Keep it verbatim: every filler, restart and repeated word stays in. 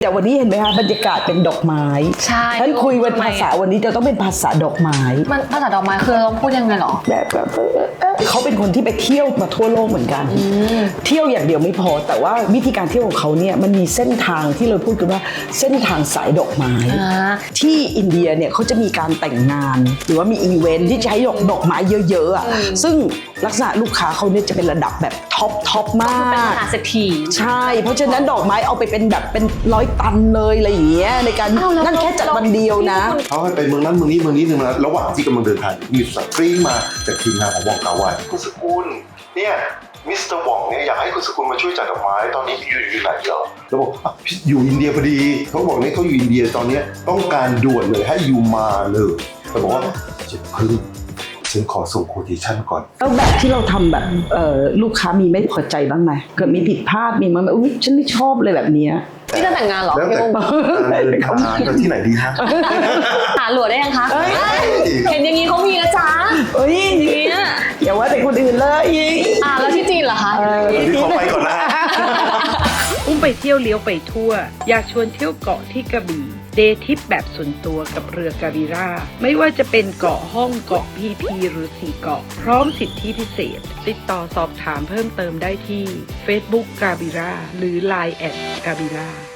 วันนี้เห็นไหมคะบรรยากาศเป็นดอกไม้ใช่ท่านคุยวันภาษาวันนี้จะต้องเป็นภาษาดอกไม้มันภาษาดอกไม้คือต้องพูดยังไงหรอแบบแบบเขาเป็นคนที่ไปเที่ยวมาทั่วโลกเหมือนกันเที่ยวอย่างเดียวไม่พอแต่ว่าวิธีการเที่ยวของเขาเนี่ยมันมีเส้นทางที่เราพูดกันว่าเส้นทางสายดอกไม้ที่อินเดียเนี่ยเขาจะมีการแต่งงานหรือว่ามีอีเวนท์ที่ใช้ดอกดอกไม้เยอะๆอ่ะซึ่งลักษณะลูกค้าเขาเนี่ยจะเป็นระดับแบบท็อปท็อปมากเป็นมหาเศรษฐีใช่เพราะฉะนั้นดอกไม้เอาไปเป็นแบบเป็นร้อยตันเลยอะไรอย่างเงี้ยในการนั่นแค่จัดวันเดียวนะเขาให้ไปเมืองนั้นเมืองนี้เมืองนี้หนึ่งมาระหว่างที่กำลังเดินทางมีสตรีมาจากทีมงานของวองกาไวคุณสกุลเนี่ยมิสเตอร์หว่องเนี่ยอยากให้คุณสกุลมาช่วยจัดดอกไม้ตอนนี้อยู่อยู่ไหนเหรอแล้วบอกอยู่อินเดียพอดีเขาบอกนี่เขาอยู่อินเดียตอนนี้ต้องการด่วนเลยให้อยู่มาเลยแต่บอกว่าจะพึ่งฉันขอส่งโคเทชั่นก่อนแล้วแบบที่เราทำแบบลูกค้ามีไม่พอใจบ้างไหมเกิดมีผิดพลาดมีมั้ยอุ้ยฉันไม่ชอบเลยแบบนี้ที่จะแต่งงานเหรอแล้วแต่การเดินทางจะที่ไหนดีฮะหาหลวดได้ยังคะเห็นอย่างนี้เขามีนะจ๊ะเฮ้ยอย่าว่าแต่คนอื่นเลยอ่าแล้วที่จีนเหรอคะที่เขาไปก่อนนะอุ้มไปเที่ยวเลี้ยวไปทั่วอยากชวนเที่ยวเกาะที่กระบี่เดย์ทริปแบบส่วนตัวกับเรือกาบิราไม่ว่าจะเป็นเกาะห้องเกาะพีพีหรือสี่เกาะพร้อมสิทธิพิเศษติดต่อสอบถามเพิ่มเติมได้ที่ Facebook กาบิราหรือ ไลน์ แอท กาบิรา